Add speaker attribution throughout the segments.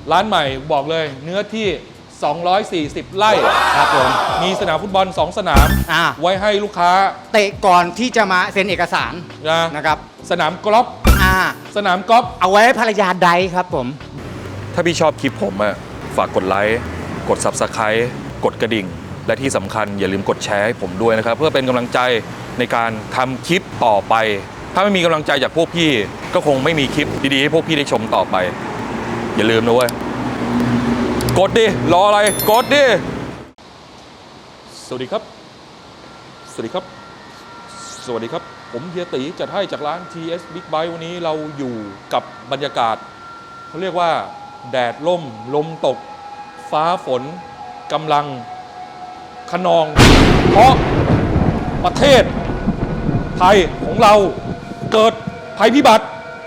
Speaker 1: ร้านใหม่บอกเลยเนื้อที่ 240 ไร่
Speaker 2: ครับผม
Speaker 1: มีสนามฟุตบอล 2 สนาม ไว้ให้ลูกค้า
Speaker 2: เตะก่อนที่จะมาเซ็นเอกสารนะครับ
Speaker 1: สนามกอล์ฟสนามกอล์ฟ
Speaker 2: เอาไว้ให้ภรรยาไดครับผม
Speaker 1: ถ้าพี่ชอบคลิปผมอะฝากกดไลค์กด Subscribe กดกระดิ่งและที่สำคัญอย่าลืมกดแชร์ให้ผมด้วยนะครับเพื่อเป็นกำลังใจในการทำคลิปต่อไปถ้าไม่มีกำลังใจจากพวกพี่ก็คงไม่มีคลิปดีๆให้พวกพี่ได้ชมต่อไปอย่าลืมนะเว้ยกดดิรออะไรกดดิสวัสดีครับสวัสดีครับสวัสดีครับผมเฮียตีจัดให้จากร้าน TS Big Bike วันนี้เราอยู่กับบรรยากาศเขาเรียกว่าแดดล่มลมตกฟ้าฝนกำลังคะนองเพราะประเทศไทยของเราเกิดภัยพิบัติ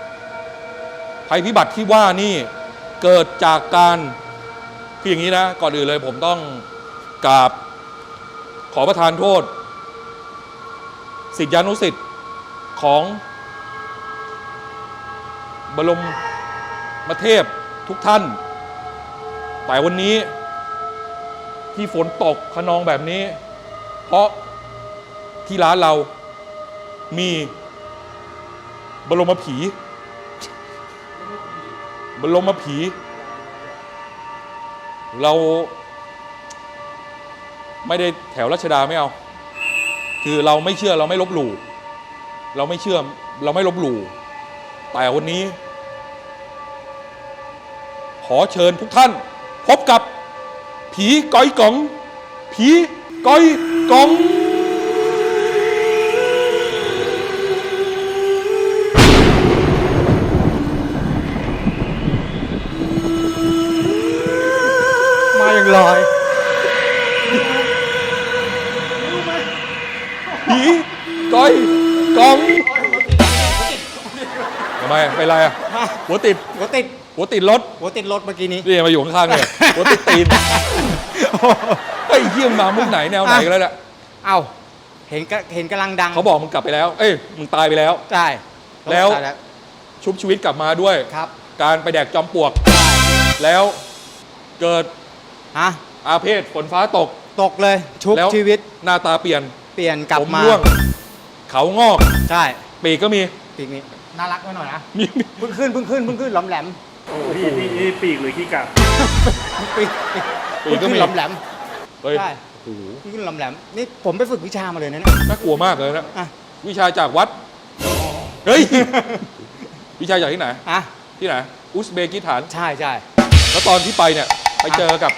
Speaker 1: ที่ว่านี่เกิดจากการคืออย่างนี้นะก่อนอื่นเลยผมต้องกราบขอประทานโทษศิษยานุศิษย์ของบรมเทพทุกท่านแต่วันนี้ที่ฝนตกคะนองแบบนี้เพราะที่ร้านเรามีบรมผีเราไม่ได้แถวรัชดาไม่เอาคือเราไม่เชื่อเราไม่ลบหลู่เราไม่เชื่อเราไม่ลบหลู่แต่วันนี้ขอเชิญทุกท่านพบกับผีก้อยกองผีก้อยกอง
Speaker 2: มาอย่างลอย
Speaker 1: ผีก้อยกองทำไมเป็นไรอ่ะหัวติดรถเ
Speaker 2: มื่อกี้นี้
Speaker 1: นี่มาอยู่ข้างๆเนี่ยหัวติดตีนไอ้เหี้ยมามุกไหนแนวไหนกันแล้วเนี่ย
Speaker 2: เอ้าเห็นกำลังดัง
Speaker 1: เขาบอกมึงกลับไปแล้วเอ้ยมึงตายไปแล้ว
Speaker 2: ใช่
Speaker 1: แล้วชุบชีวิตกลับมาด้วย
Speaker 2: ครับ
Speaker 1: การไปแดกจอมปลวกแล้วเกิดอาเพศฝนฟ้าตก
Speaker 2: เลยชุบชีวิต
Speaker 1: หน้าตาเปลี่ยน
Speaker 2: กลับมา
Speaker 1: ร่วงเขางอก
Speaker 2: ใช่
Speaker 1: ปีกก็มี
Speaker 2: ปีกนี้น่ารักไว้หน่อยนะเพิ่งขึ้นหลอมแหลม
Speaker 3: นี่ปีกหรือขี้กา
Speaker 2: ปีกก็มีหลอมแหลม
Speaker 1: ใช่
Speaker 2: โอ้โหขึ้นหลอมแหลมนี่ผมไปฝึกวิชามาเลยนะ
Speaker 1: น่ากลัวมากเลยนะวิชาจากวัดเฮ้ยวิชาจากที่ไหนที่ไหนอุซเบกิสถาน
Speaker 2: ใช่
Speaker 1: แล้วตอนที่ไปเนี่ยไปเจอกับ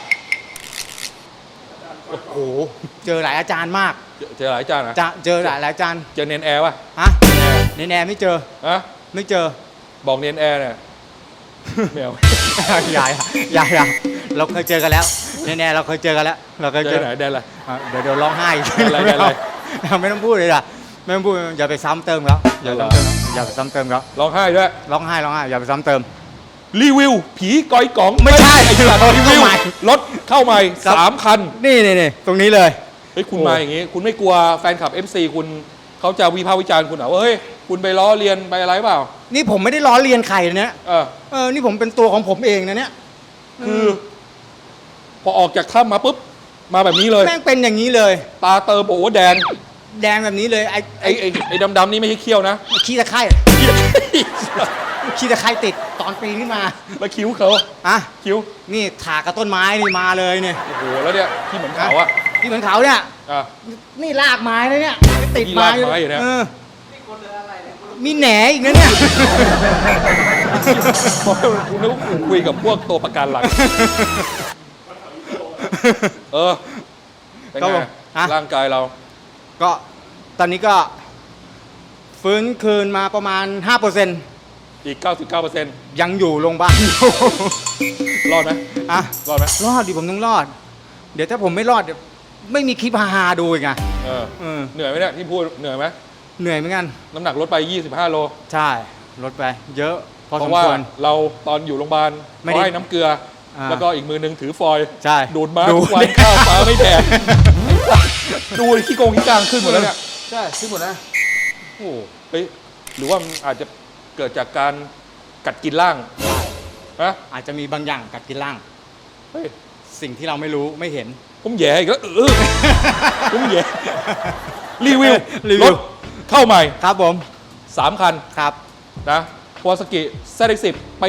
Speaker 2: โอ้โหเจอหลายอาจารย์มาก
Speaker 1: เจอหลายอาจารย์นะ
Speaker 2: เจอหลายอาจารย์
Speaker 1: เจอเนนแอร์ป่ะ
Speaker 2: เนนแอร์ไม่เจอไม่เจอ
Speaker 1: บอกเนนแอร์เนี่ยแมว
Speaker 2: อย่าเราเคยเจอกันแล้วเนนแอร์เราเคยเจอกันแล้วเราเคยเจอ
Speaker 1: ไหนแดนอะไร
Speaker 2: เดี๋ยวร้องไห้
Speaker 1: อะไร
Speaker 2: ไม่ต้องพูดเลยล่ะไม่ต้องพูดอย่าไปซ้ำเติมแล้วอย่าไปซ้ำเติมแล้ว
Speaker 1: ร้องไห้ด้วย
Speaker 2: ร้องไห้อย่าไปซ้ำเติม
Speaker 1: รีวิวผีก้อยกอง
Speaker 2: ไม่ใช่
Speaker 1: รีวิวรถเข้าใหม่3 คัน
Speaker 2: นี่ตรงนี้เลย
Speaker 1: เฮ้ยคุณมาอย่างงี้คุณไม่กลัวแฟนคลับ FC คุณเขาจะวิพากษ์วิจารณ์คุณเหรอว่าเฮ้ยคุณไปล้อเลียนไปอะไรเปล่า
Speaker 2: นี่ผมไม่ได้ล้อเลียนใครนะนี่ผมเป็นตัวของผมเองนะเนี่ย
Speaker 1: คือพอออกจากถ้ำมาปุ๊บมาแบบนี้เลย
Speaker 2: แม่งเป็นอย่างนี้เลย
Speaker 1: ตาเติมโอ้แดง
Speaker 2: แบบนี้เลย
Speaker 1: ไอ้ดำๆนี่ไม่ใช่เขี้ยวนะ
Speaker 2: ขี้ตะไคร่ขี้ตะไคร่ติดตอนปีนขึ้นมา
Speaker 1: แล้วคิ้วเขาคิ้ว
Speaker 2: นี่ถากกับต้นไม้นี่มาเลยเนี่ย
Speaker 1: โอ้โหแล้วเนี่ยที่เหมือนเขาอะ
Speaker 2: ที่เหมือนเขาเนี่ยนี่รากไม้นะเนี่ยติดไม้
Speaker 1: อยู่เนี่ย
Speaker 2: มีแหนอีกนะเนี่ย
Speaker 1: คุณนึกว่าคุณคุยกับพวกตัวประกันหลังเป็นไงร่างกายเรา
Speaker 2: ก็ตอนนี้ก็ฟื้นคืนมาประมาณ 5%
Speaker 1: อีก 99%
Speaker 2: ยังอยู่โรงพยาบาล
Speaker 1: รอดไหมรอดไหม
Speaker 2: รอดดิผมต้องรอดเดี๋ยวถ้าผมไม่รอดเดี๋ยวไม่มีคลิปฮาๆดูอีกไง
Speaker 1: เหนื่อยไหมเนี่ยที่พูดเหนื่อยไหม
Speaker 2: เหนื่อยเหมือนกัน
Speaker 1: น้ำหนักลดไป25 โล
Speaker 2: ใช่ลดไปเยอะ
Speaker 1: เพราะว่าเราตอนอยู่โรงพยาบาลเขาให้น้ำเกลือแล้วก็อีกมือนึงถือฟอยล์ดูดมาทุกวันข้าวปลาไม่แดกดูขี้โกงขี้กลางขึ้นหมดแล้วเนี่ย
Speaker 2: ใช่ขึ้นหมดแล้ว
Speaker 1: โอ้เฮ้ยหรือว่ามันอาจจะเกิดจากการกัดกินร่างฮะ
Speaker 2: อาจจะมีบางอย่างกัดกินล่าง
Speaker 1: เฮ้ย
Speaker 2: สิ่งที่เราไม่รู้ไม่เห็น
Speaker 1: ผมแย่อีกแล้วผมแย่รีวิว
Speaker 2: รีวิว
Speaker 1: รถเข้าใหม่
Speaker 2: ครับผม
Speaker 1: 3 คัน
Speaker 2: ครับ
Speaker 1: นะคาวาซากิ ZX10 ปี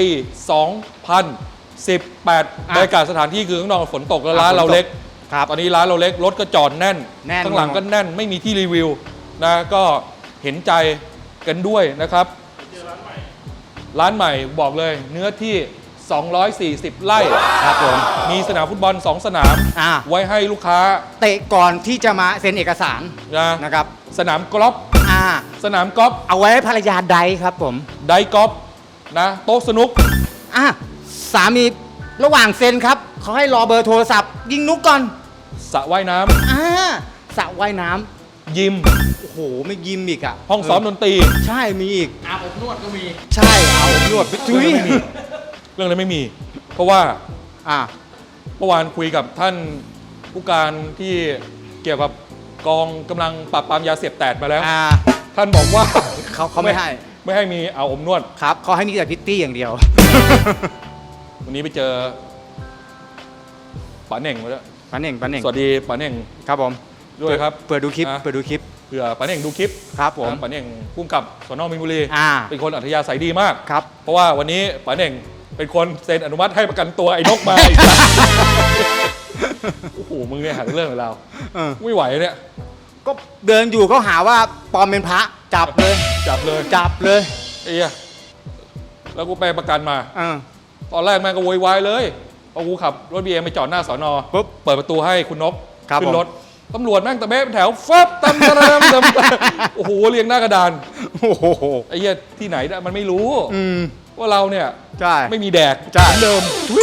Speaker 1: 2018บรรยากาศสถานที่คือข้างนอกฝนตกแล้วร้านเราเล็ก
Speaker 2: ครับ
Speaker 1: ตอนนี้ร้านเราเล็กรถก็จอดแน่น
Speaker 2: แน่น
Speaker 1: ข้างหลังก็แน่นไม่มีที่รีวิวนะก็เห็นใจกันด้วยนะครับ ร้านใหม่บอกเลยเนื้อที่ 240 ไร่
Speaker 2: ครับผม
Speaker 1: มีสนามฟุตบอล 2 สนาม
Speaker 2: อ่า
Speaker 1: ไว้ให้ลูกค้า
Speaker 2: เตะก่อนที่จะมาเซ็นเอกสาร นะครับ
Speaker 1: สนามกอล์ฟ
Speaker 2: อ่า
Speaker 1: สนามกอล์ฟ
Speaker 2: เอาไว้ให้ภรรยาใดครับผม
Speaker 1: ไดกอล์ฟนะโต๊ะสนุก
Speaker 2: อ่ะสามีระหว่างเซ็นครับเขาให้รอเบอร์โทรศัพท์ ยิงนุกก่อน
Speaker 1: สระว่ายน้
Speaker 2: อ่าสระว่ายน้
Speaker 1: ำยิม
Speaker 2: ำโอ้โห ไม่ยิมอีกอ่ะ
Speaker 1: ห้องซ้อมดนตรี
Speaker 2: ใช่มีอีก
Speaker 3: อาบอบนวดก็มี
Speaker 2: ใช่เอานวดไปจุ้ย
Speaker 1: เรื่องนั้นไม่มี เพราะว่า
Speaker 2: อ่า
Speaker 1: เมื่อวานคุยกับท่านผู้การที่เกี่ยวกับกองกำลังปราบปรามยาเสพติดมาแล้ว
Speaker 2: อ่า
Speaker 1: ท่านบอกว่า
Speaker 2: เขาไม่ให้
Speaker 1: ไม่ให้มีเอาอมนวด
Speaker 2: ครับเขาให้มีแต่พิตตี้อย่างเดียว
Speaker 1: วันนี้ไปเจอป๋าเหน่งมาแล้ว
Speaker 2: ปันเน่งปันเน่ง
Speaker 1: สวัสดีป๋าเหน่ง
Speaker 2: ครับผม
Speaker 1: ด้วยครับ
Speaker 2: เปิดดูคลิป
Speaker 1: อ่ะ
Speaker 2: เปิดดูคลิป
Speaker 1: เผื่อป๋าเหน่งดูคลิป
Speaker 2: ครับผม
Speaker 1: ป๋าเหน่งพุ่มกับสนมินบุรี
Speaker 2: อ่า
Speaker 1: เป็นคนอัธยาศัยดีมาก
Speaker 2: ครับ
Speaker 1: เพราะว่าวันนี้ป๋าเหน่งเป็นคนเซ็นอนุมัติให้ประกันตัวไอ้นกมา โอ้โหมึงเนี่ยหาเรื่องกับเรา
Speaker 2: เออ
Speaker 1: ไม่ไหวเนี่ย
Speaker 2: ก็เดินอยู่เขาหาว่าปลอมเป็นพระจับเลย
Speaker 1: จับเลย
Speaker 2: จับเลย
Speaker 1: ไอ้เหี้ยแล้วกูไปประกันมา
Speaker 2: เออ
Speaker 1: ตอนแรกแม่งก็โวยวายเลยพอกูขับรถบีเอ็มไปจอดหน้าสอนอ
Speaker 2: ปุ๊บ
Speaker 1: เปิดประตูให้คุณนก
Speaker 2: ครับ
Speaker 1: ขึ้
Speaker 2: ผม
Speaker 1: นรถตำรวจแม่งตะเบ๊ะเป็นแถวฟับตำตะเริ่มตำโอ้โหเรียงหน้ากระดาน
Speaker 2: โอ้โห
Speaker 1: ไอ้เหี้ยที่ไหนได้มันไม่รู้
Speaker 2: อืม
Speaker 1: ว่าเราเนี่ย
Speaker 2: ใช่
Speaker 1: ไม่มีแดก
Speaker 2: ใช่
Speaker 1: เหมือนเดิม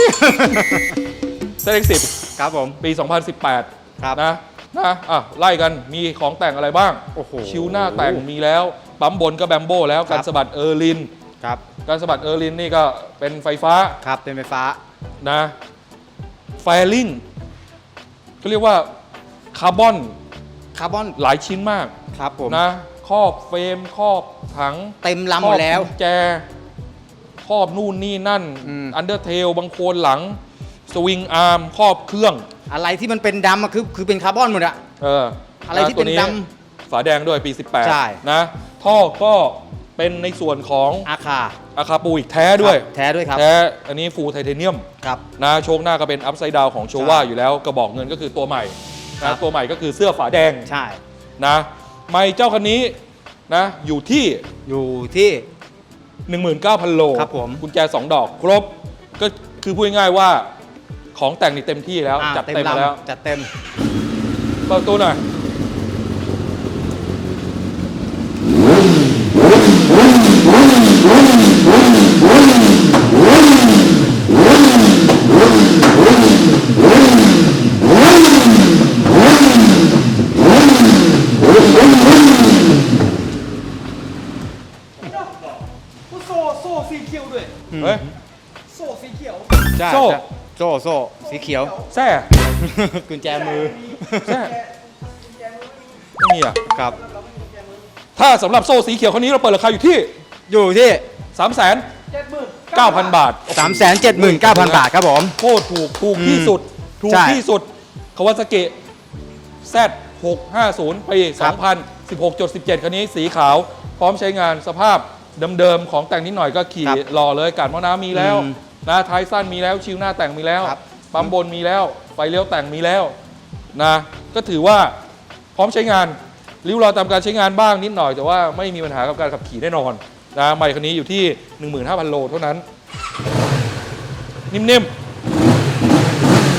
Speaker 1: ZX10
Speaker 2: ครับผม
Speaker 1: ปี 2018
Speaker 2: ครับ
Speaker 1: นะอ่ะไล่กันมีของแต่งอะไรบ้าง
Speaker 2: โอ้โห
Speaker 1: ชิวหน้าแต่งมีแล้วปั๊มบนก็แบมโบ้แล้ว
Speaker 2: ครั
Speaker 1: การ
Speaker 2: บ
Speaker 1: สะบัดเออร์ลิน
Speaker 2: ครับ
Speaker 1: การสะบัดเออร์ลินนี่ก็เป็นไฟฟ้า
Speaker 2: ครับเป็นไฟฟ้า
Speaker 1: นะแฟลิงก็เรียกว่าคาร์บอน
Speaker 2: คาร์บอน
Speaker 1: หลายชิ้นมาก
Speaker 2: ครับผม
Speaker 1: นะครอบเฟรมครอบถัง
Speaker 2: เต็มลำหมดแล้ว
Speaker 1: ครอบกุญแจครอบนู่นนี่นั่น
Speaker 2: อืม
Speaker 1: อันเดอร์เทลบางโคนหลัง สวิงอาร์มครอบเครื่อง
Speaker 2: อะไรที่มันเป็นดำอะคือเป็นคาร์บอนหมดอะ อะไรที่เป็น
Speaker 1: ตัว
Speaker 2: ด
Speaker 1: ฝาแดงด้วยปี
Speaker 2: ใช่
Speaker 1: 18 นะท่อก็เป็นในส่วนของ
Speaker 2: อาคา
Speaker 1: อาคาปูอีกแท้ด้วย
Speaker 2: ครับแท้ด้วยครับ
Speaker 1: แท้อันนี้ฟูลไทเทเนียม
Speaker 2: ครับ
Speaker 1: นะโชคหน้าก็เป็นอัพไซด์ดาวของโชว่า
Speaker 2: ใช่
Speaker 1: อยู่แล้วกระบอกเงินก็คือตัวใหม่
Speaker 2: ครั
Speaker 1: นะ
Speaker 2: บ
Speaker 1: ตัวใหม่ก็คือเสื้อฝาแดง
Speaker 2: ใช่
Speaker 1: นะไม่เจ้าคันนี้นะอยู่ที่
Speaker 2: อยู่ที่
Speaker 1: 19,000 โล
Speaker 2: ครับผม
Speaker 1: กุญแจ 2 ดอก ครบ ก็คือพูดง่ายๆว่าของแต่งนี่เต็มที่แล้ว
Speaker 2: อ่า
Speaker 1: จัดเต็มมาแล้ว
Speaker 2: จัดเต็ม
Speaker 1: เปิดประตูหน่อย
Speaker 3: โซ่สีเขียวด้วย
Speaker 1: เฮ้ย
Speaker 3: โซ่สีเขียว
Speaker 2: ใช่
Speaker 1: โซ่
Speaker 2: ใช่โซ่สีเขียว
Speaker 1: แซ่
Speaker 2: กุญแจมือ
Speaker 1: แซ่ไม่มีอ่ะ
Speaker 2: ครับ
Speaker 1: ถ้าสำหรับโซ่สีเขียวคันนี้เราเปิดราคาอยู่ที่
Speaker 2: อยู่ที่
Speaker 1: 3,900,000 บาท
Speaker 2: 379,000 บาทครับผม
Speaker 1: โคตรถูกที่สุด ถูก
Speaker 2: ใช่
Speaker 1: ที่สุดคาวาซากิ Z650 ปี
Speaker 2: ครับ
Speaker 1: 2016.17 คันนี้สีขาว พร้อมใช้งานสภาพเดิมๆของแต่งนิดหน่อยก็ขี่รอเลยการหม้อน้ำมีแล้ว
Speaker 2: อืม
Speaker 1: นะท้ายสั้นมีแล้วชิวหน้าแต่งมีแล้ว
Speaker 2: ครับ
Speaker 1: ปั๊มบนมีแล้ว ไฟเลี้ยวแต่งมีแล้วนะก็ถือว่าพร้อมใช้งานริ้วรอยตามการใช้งานบ้างนิดหน่อย แต่ว่าไม่มีปัญหากับการขับขี่แน่นอนนะใหม่คันนี้อยู่ที่ 15,000 โลเท่านั้น นิ่มๆ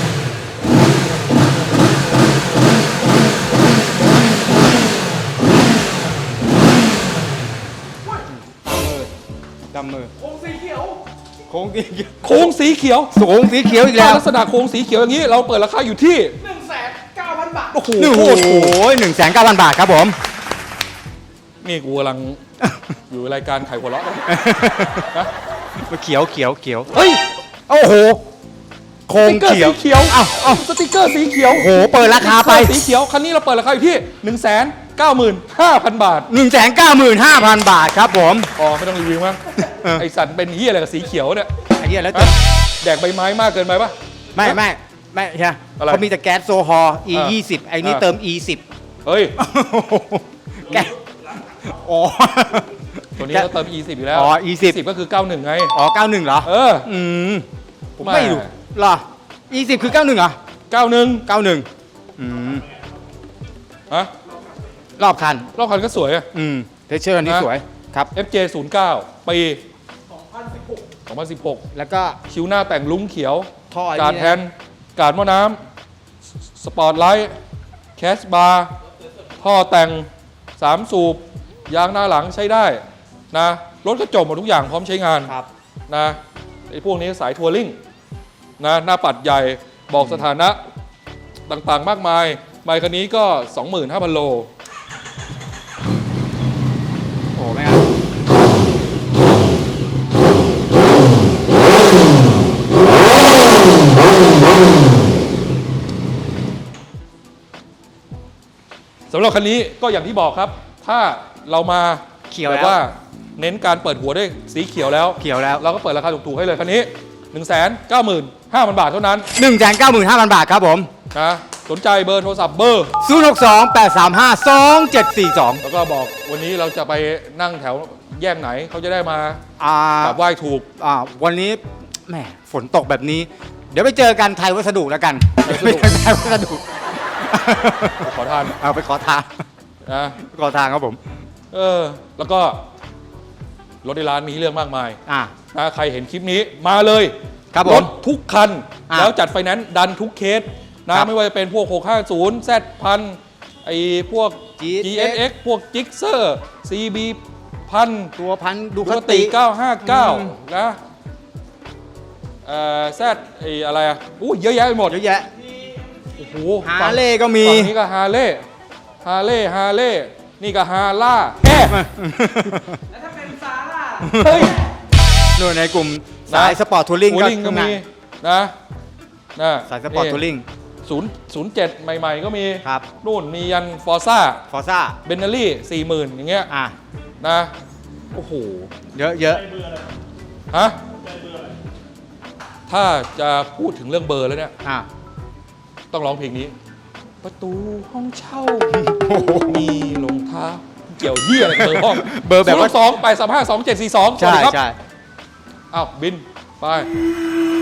Speaker 2: ดำมือ
Speaker 3: โค้งสีเขียว
Speaker 2: โค้งสีเขียว
Speaker 1: โค้งสีเขียว
Speaker 2: โค้งสีเขียวอีกแล้ว
Speaker 1: ลักษณะโค้งสีเขียวอย่างนี้เราเปิดราคาอยู่ที่
Speaker 3: 1,900,000 บาท
Speaker 1: โอ้โห
Speaker 2: โอ้
Speaker 1: โคตรถูก
Speaker 2: โห1,900,000 บาทครับผม
Speaker 1: นี่กูกำลัง อยู่รายการไข่หัวเราะนะ
Speaker 2: เขียวเขียวเขียว
Speaker 1: เฮ้ย
Speaker 2: โอ้โห โค้
Speaker 1: ส
Speaker 2: ง
Speaker 1: ติ๊กเกอร์
Speaker 2: เขียว
Speaker 1: สีเขียว
Speaker 2: เอ้า
Speaker 1: สติ๊กเกอร์สีเขียว
Speaker 2: โอ้โห เปิดราคาไป
Speaker 1: สติ๊กเกอร์สีเขียวคันนี้เราเปิดราคาอยู่ที่ 195,000 บาท
Speaker 2: 195,000 บาทครับผม
Speaker 1: อ๋อไม่ต้องรีวิวมั้ง ไอสันเป็นเฮียอะไรกับสีเขียวเนี่ย
Speaker 2: ไอ้เหี้ยแล้ว
Speaker 1: ฮะแดกใบไม้มากเกินไปปะ
Speaker 2: ไม่ใช่
Speaker 1: อะไร
Speaker 2: เขามีแต่แก๊สโซฮอล์ E20 ไอ้นี่เติม E10
Speaker 1: เฮ้ย
Speaker 2: แก๊สอ๋อ
Speaker 1: ตัวนี้เราเติม E10 อยู่แล้ว
Speaker 2: อ๋อ E10
Speaker 1: 10ก็คือ 91 ไง
Speaker 2: อ๋อ 91 เหรอ
Speaker 1: เออ
Speaker 2: อืมผม
Speaker 1: แม่
Speaker 2: ไม่รู้เหรอ E10 คือ 91 เหรอ
Speaker 1: 91
Speaker 2: 91 อืม
Speaker 1: ฮะ
Speaker 2: รอบคัน
Speaker 1: รอบคันก็สวยอะ
Speaker 2: เทเชอร์อันนี้
Speaker 1: นะ
Speaker 2: สวย ครับ
Speaker 1: FJ 09 ปี 2016
Speaker 2: แล้วก็
Speaker 1: คิ้วหน้าแต่งลุ้งเขียว
Speaker 2: ท่อไอ้
Speaker 1: การ์ด
Speaker 2: นี่
Speaker 1: แฮนด์การ์ดหม้อน้ำ สปอร์ตไลท์ แคชบาร์ ท่อแต่ง 3 สูบ ยางหน้าหลังใช้ได้นะ รถกระจกหมดทุกอย่างพร้อมใช้งาน
Speaker 2: ครับ
Speaker 1: นะไอ้พวกนี้สายทัวริงนะหน้าปัดใหญ่บอกสถานะต่างๆ มากมายไมค์คันนี้ก็ 25,000 โล
Speaker 2: โอ้ไม่ครับ
Speaker 1: สำหรับคันนี้ก็อย่างที่บอกครับ ถ้าเรามา
Speaker 2: เขียว
Speaker 1: แบ
Speaker 2: แล้
Speaker 1: บ
Speaker 2: ว
Speaker 1: ว่าเน้นการเปิดหัวด้วยสีเขียวแล้ว
Speaker 2: เขียวแล้ว
Speaker 1: เราก็เปิดราคาถูกๆให้เลยคันนี้ 195,000 บาทเท่านั้น
Speaker 2: 195,000 บาทครับผม
Speaker 1: นะสนใจเบอร์โทรศัพท์เบอร์
Speaker 2: 062-835-2742
Speaker 1: แล้วก็บอกวันนี้เราจะไปนั่งแถวแยกไหนเขาจะได้มาก
Speaker 2: อ่า
Speaker 1: ราบไหว้ถูก
Speaker 2: วันนี้แหมฝนตกแบบนี้ เดี๋ยวไปเจอกันไทยวัสดุแล้วกัน
Speaker 1: ไทยวัสดุ
Speaker 2: ไปเจอกันไทยวัสดุ
Speaker 1: ขอทาน
Speaker 2: เอาไปขอทาง
Speaker 1: นะ
Speaker 2: ขอทางครับผม
Speaker 1: แล้วก็รถในร้านมีให้เลือกมากมาย
Speaker 2: อ่า
Speaker 1: นะใครเห็นคลิปนี้มาเลย
Speaker 2: ครับผม
Speaker 1: รถทุกคัน
Speaker 2: อ่ะ
Speaker 1: แล้วจัดไฟแนนซ์ดันทุกเคสนะครับ ไม่ว่าจะเป็นพวก 650 Z พันไอพวก GSX พวก Gixxer CB พัน
Speaker 2: ตัวพันดู
Speaker 1: ดู
Speaker 2: ค
Speaker 1: ค
Speaker 2: ติ
Speaker 1: ติ
Speaker 2: อืม
Speaker 1: 959 นะแซดไออะไรอ่ะอู้เยอะแยะไปหมด
Speaker 2: เยอะแยะ
Speaker 1: โอ้โห
Speaker 2: ฮาร์เลย์ก็มี
Speaker 1: ฝั่งนี้ก็ฮาร์เลย์ฮาร์เลย์นี่ก็ฮาร่าแฮ่
Speaker 3: แล้วถ้าเป็นซาร่า
Speaker 1: เฮ้ย
Speaker 2: นู่นในกลุ่มสายสปอร์ตทัวริง
Speaker 1: ทัวริงก็มีนะนะ
Speaker 2: สายสปอร์ตทัวริง
Speaker 1: 007 ใหม่ๆก็มี
Speaker 2: ครับ
Speaker 1: นู่นมียันฟอร์ซ่า
Speaker 2: ฟอร์ซ่า
Speaker 1: เบนเนอรี่ 40,000 อย่างเงี้ย
Speaker 2: อ่ะ
Speaker 1: นะ โอ้โห
Speaker 2: เยอะเยอะ
Speaker 1: ฮะ ถ้าจะพูดถึงเรื่องเบอร์แล้วเนี่ย
Speaker 2: อ่ะ
Speaker 1: ต้องร้องเพลงนี้ ประตูห้องเช่า มีรองเท้าเกี่ยวเหี้ยอะไรกับเบอร์ห้อง
Speaker 2: เบอร์แบบว่า
Speaker 1: 2 8 3 5 2 7 4 2 สวัส
Speaker 2: ใช่
Speaker 1: ดีครับ
Speaker 2: ใช่
Speaker 1: อ้าว บิน ไป